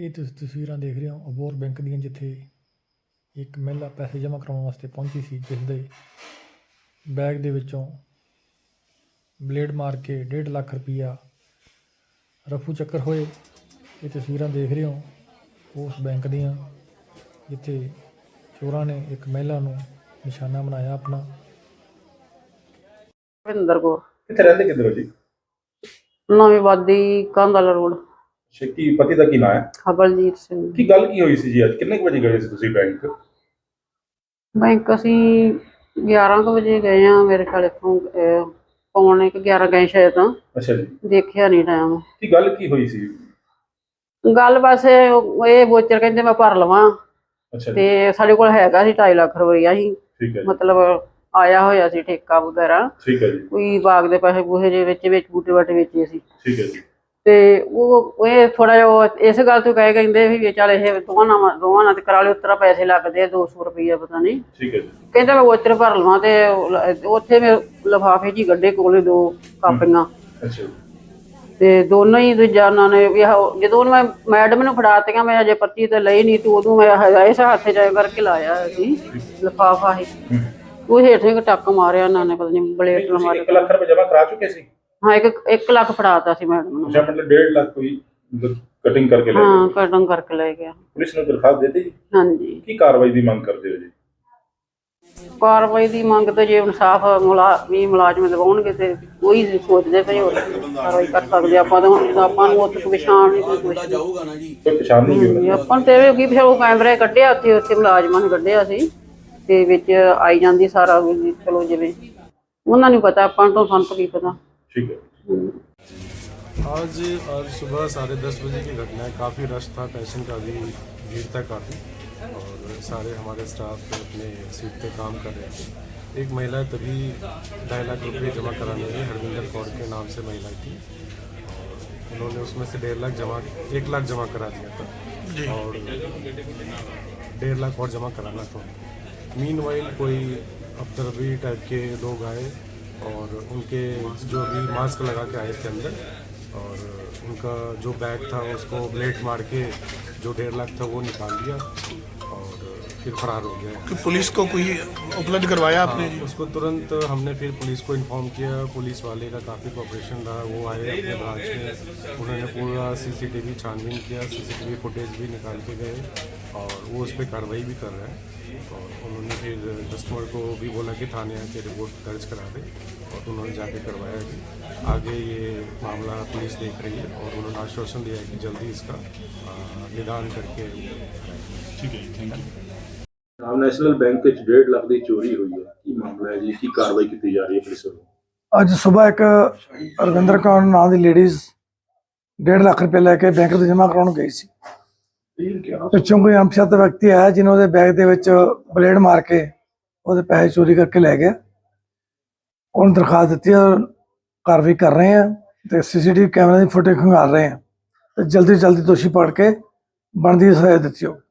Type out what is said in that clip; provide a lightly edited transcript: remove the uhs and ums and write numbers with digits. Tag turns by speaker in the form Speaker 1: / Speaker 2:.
Speaker 1: ਇਹ ਤੁਸੀਂ ਤਸਵੀਰਾਂ ਦੇਖ ਰਹੇ ਹੋ ਅਬੋਹਰ ਬੈਂਕ ਦੀਆਂ, ਜਿੱਥੇ ਇੱਕ ਮਹਿਲਾ ਪੈਸੇ ਜਮ੍ਹਾਂ ਕਰਾਉਣ ਵਾਸਤੇ ਪਹੁੰਚੀ ਸੀ, ਜਿਸ ਦੇ ਬੈਗ ਦੇ ਵਿੱਚੋਂ ਬਲੇਡ ਮਾਰ ਕੇ 1.5 ਲੱਖ ਰੁਪਈਆ ਰਫੂ ਚੱਕਰ ਹੋਏ। ਇਹ ਤਸਵੀਰਾਂ ਦੇਖ ਰਹੇ ਹੋ ਉਸ ਬੈਂਕ ਦੀਆਂ, ਜਿੱਥੇ ਚੋਰਾਂ ਨੇ ਇੱਕ ਮਹਿਲਾ ਨੂੰ ਨਿਸ਼ਾਨਾ ਬਣਾਇਆ ਆਪਣਾ।
Speaker 2: ਭਿੰਦਰ ਕੌਰ।
Speaker 3: ਕਿੱਥੇ ਰਹਿੰਦੇ ਕਿੱਧਰ ਹੋ ਜੀ?
Speaker 2: ਨਵੀਂ ਵਾਦੀ ਕਾਂਦਲਾ ਰੋਡ।
Speaker 3: ਕੀ ਪਤੀ ਦਾ ਕੀ ਨਾਂ ਹੈ?
Speaker 2: ਹਬਲਜੀਤ ਸਿੰਘ।
Speaker 3: ਕੀ ਗੱਲ ਕੀ ਹੋਈ ਸੀ ਜੀ? ਅੱਜ ਕਿੰਨੇ ਕੁ ਵਜੇ ਗਏ ਸੀ ਤੁਸੀਂ ਬੈਂਕ?
Speaker 2: ਬੈਂਕ ਅਸੀਂ 11 ਕੁ ਵਜੇ ਗਏ ਆ, ਮੇਰੇ ਖਿਆਲ ਇੱਥੋਂ ਪੌਣੇ 11 ਗਏ ਸ਼ਾਇਦ। ਤਾਂ
Speaker 3: ਅੱਛਾ ਜੀ।
Speaker 2: ਦੇਖਿਆ ਨਹੀਂ ਟਾਈਮ।
Speaker 3: ਕੀ ਗੱਲ ਕੀ ਹੋਈ ਸੀ?
Speaker 2: ਗੱਲ ਬਸ ਇਹ ਵੋਚਰ ਕਹਿੰਦੇ ਮੈਂ ਭਰ ਲਵਾਂ,
Speaker 3: ਅੱਛਾ ਜੀ।
Speaker 2: ਤੇ ਸਾਡੇ ਕੋਲ ਹੈਗਾ ਸੀ 2.5 ਲੱਖ ਰੁਪਈਆ ਸੀ।
Speaker 3: ਠੀਕ ਹੈ ਜੀ।
Speaker 2: ਮਤਲਬ ਆਇਆ ਹੋਇਆ ਸੀ ਠੇਕਾ ਵਗੈਰਾ,
Speaker 3: ਠੀਕ ਹੈ ਜੀ।
Speaker 2: ਕੋਈ ਬਾਗ ਦੇ ਪੈਸੇ ਪੂਸੇ ਦੇ ਵਿੱਚ ਬੂਟੇ ਬਾਟੇ ਵੇਚੇ ਸੀ।
Speaker 3: ਠੀਕ ਹੈ ਜੀ।
Speaker 2: ਤੇ ਉਹ ਇਹ ਥੋੜਾ ਜਿਹਾ ਇਸ ਗੱਲ ਤੋਂ ਕਹਿੰਦੇ ਵੀ ਚੱਲ ਇਹ ਦੋਵਾਂ ਨਾਲ ਤੇ ਕਰਾ ਲਿਓ, ਉਤਰਾ ਪੈਸੇ ਲੱਗਦੇ ਆ 200 ਰੁਪਈਆ ਪਤਾ ਨਹੀਂ।
Speaker 3: ਠੀਕ ਹੈ ਜੀ।
Speaker 2: ਕਹਿੰਦਾ ਮੈਂ ਵੋਚਰ ਭਰ ਲਵਾਂ, ਤੇ ਉੱਥੇ ਮੈਂ ਲਿਫਾਫੇ 'ਚ ਹੀ ਗੱਡੇ ਕੋਲੇ 2 ਕਾਪੀਆਂ।
Speaker 3: ਅੱਛਾ ਜੀ।
Speaker 2: ਤੇ ਦੋਨੋਂ ਹੀ ਦੂਜਾ ਉਹਨਾਂ ਨੇ ਜਦੋਂ ਮੈਂ ਮੈਡਮ ਨੂੰ ਫੜਾਤੀਆਂ, ਮੈਂ ਅਜੇ ਪਰਚੀ ਤੇ ਲਈ ਨਹੀਂ, ਤੇ ਉਦੋਂ ਮੈਂ ਇਸ ਹੱਥ 'ਚ ਕਰਕੇ ਲਾਇਆ ਸੀ ਲਿਫਾਫਾ ਹੀ, ਉਹ ਹੇਠ ਟੱਕ ਮਾਰਿਆ ਉਹਨਾਂ ਨੇ, ਪਤਾ ਨਹੀਂ ਬਲੇਡ ਨਾਲ ਮਾਰਿਆ।
Speaker 3: 1 ਲੱਖ ਰੁਪਏ ਜਮ੍ਹਾਂ ਕਰਾ ਚੁੱਕੇ ਸੀ?
Speaker 2: ਹਾਂ, 1 ਲੱਖ ਫੜਾਤਾ ਸੀ ਮੈਡਮ ਨੂੰ।
Speaker 3: ਅੱਛਾ, ਮਤਲਬ 1.5 ਲੱਖ ਕੋਈ ਕਟਿੰਗ ਕਰਕੇ ਲੈ ਗਏ?
Speaker 2: ਹਾਂ, ਕਟਿੰਗ ਕਰਕੇ ਲੈ ਗਿਆ।
Speaker 3: ਪੁਲਿਸ ਨੂੰ ਦਰਖਾਸਤ ਦੇ ਦਿੱਤੀ ਜੀ?
Speaker 2: ਹਾਂਜੀ।
Speaker 3: ਕੀ ਕਾਰਵਾਈ ਦੀ ਮੰਗ ਕਰਦੇ ਹੋ ਜੀ?
Speaker 2: ਕਾਰਵਾਈ ਦੀ ਮੰਗ ਤੇ ਜੇ ਇਨਸਾਫ ਮੁਲਾਜ਼ਮ ਦਿਵਾਉਣਗੇ ਤੇ ਉਹੀ ਸੋਚਦੇ ਪਏ ਹੋਰ ਕਾਰਵਾਈ ਕਰ ਸਕਦੇ ਆਪਾਂ। ਤਾਂ ਆਪਾਂ ਨੂੰ ਉੱਥੇ ਪਛਾਣ ਨਹੀਂ, ਕੋਈ
Speaker 3: ਕੋਈ ਪਛਾਣ ਨਹੀਂ ਹੋਈ?
Speaker 2: ਆਪਾਂ ਨੂੰ ਤੇ ਇਹ ਕੀ ਉਹ ਕੈਮਰੇ ਕੱਢਿਆ, ਉੱਥੇ ਮੁਲਾਜ਼ਮਾਂ ਨੇ ਕੱਢਿਆ ਸੀ, ਤੇ ਵਿੱਚ ਆਈ ਜਾਂਦੀ ਸਾਰਾ ਵੀ, ਚਲੋ ਜਿਵੇਂ ਉਹਨਾਂ ਨੂੰ ਪਤਾ, ਆਪਾਂ ਨੂੰ ਸਾਨੂੰ ਕੀ ਪਤਾ।
Speaker 3: ठीक है।
Speaker 4: आज सुबह 10:30 बजे की घटना है। काफ़ी रश था, पैसेंट का भी भीड़ था काफ़ी, और सारे हमारे स्टाफ अपने सीट पे काम कर रहे थे। एक महिला तभी 2.5 लाख रुपये जमा कराने गई, हरविंदर कौर के नाम से महिला थी, और उन्होंने उसमें से 1 लाख जमा करा दिया था, और 1.5 लाख और जमा कराना था। मीनवाइल कोई अफदरबी टाइप के लोग आए, और उनके जो भी मास्क लगा के आए थे अंदर, और उनका जो बैग था उसको ब्लेड मार के जो 1.5 लाख था वो निकाल दिया, और फिर फरार हो गया।
Speaker 5: तो पुलिस को कोई उपलब्ध करवाया आपने?
Speaker 4: उसको तुरंत हमने फिर पुलिस को इन्फॉर्म किया। पुलिस वाले का काफ़ी कोऑपरेशन रहा, वो आए अपने ब्रांच में, उन्होंने पूरा CCTV छानबीन किया, CCTV फुटेज भी निकाल के गए, और वो उस पर कार्रवाई भी कर रहे हैं। और उन्होंने फिर कस्टमर को भी बोला कि थाने आके रिपोर्ट दर्ज करा दे, और उन्होंने जाके करवाया भी। आगे ये मामला पुलिस देख रही है, और उन्होंने आश्वासन दिया है कि जल्दी इसका निदान करके।
Speaker 5: ठीक है, thank you.
Speaker 3: National bank 1.5 lakh ਦੀ ਚੋਰੀ ਹੋਈ ਹੈ, ਕੀ ਮਾਮਲਾ ਹੈ ਜੀ? ਕੀ ਕਾਰਵਾਈ ਕੀਤੀ ਜਾ ਰਹੀ ਹੈ ਪੁਲਿਸ ਵੱਲੋਂ?
Speaker 6: ਅੱਜ ਸਵੇਰ ਇੱਕ ਰਵਿੰਦਰ ਕੌਰ ਨਾਂ ਦੀ ਲੇਡੀਜ਼ 1.5 ਲੱਖ ਰੁਪਏ ਲੈ ਕੇ ਬੈਂਕ ਤੋਂ ਜਮ੍ਹਾਂ ਕਰਾਉਣ ਗਈ ਸੀ। ਪਿੱਛੋਂ ਕੋਈ ਅਣਪਛਾਤਾ ਵਿਅਕਤੀ ਆਇਆ, ਜਿਹਨੇ ਉਹਦੇ ਬੈਗ ਦੇ ਵਿੱਚ ਬਲੇਡ ਮਾਰ ਕੇ ਉਹਦੇ ਪੈਸੇ ਚੋਰੀ ਕਰਕੇ ਲੈ ਗਿਆ। ਉਹਨੂੰ ਦਰਖਾਸਤ ਦਿੱਤੀ, ਕਾਰਵਾਈ ਕਰ ਰਹੇ ਹਾਂ, ਤੇ CCTV ਕੈਮਰੇ ਦੀ ਫੁਟੇਜ ਖੰਗਾਲ ਰਹੇ ਹਾਂ, ਤੇ ਜਲਦੀ ਦੋਸ਼ੀ ਪਕੜ ਕੇ ਬਣਦੀ ਸਜ਼ਾ ਦਿੱਤੀ ਜਾਊ।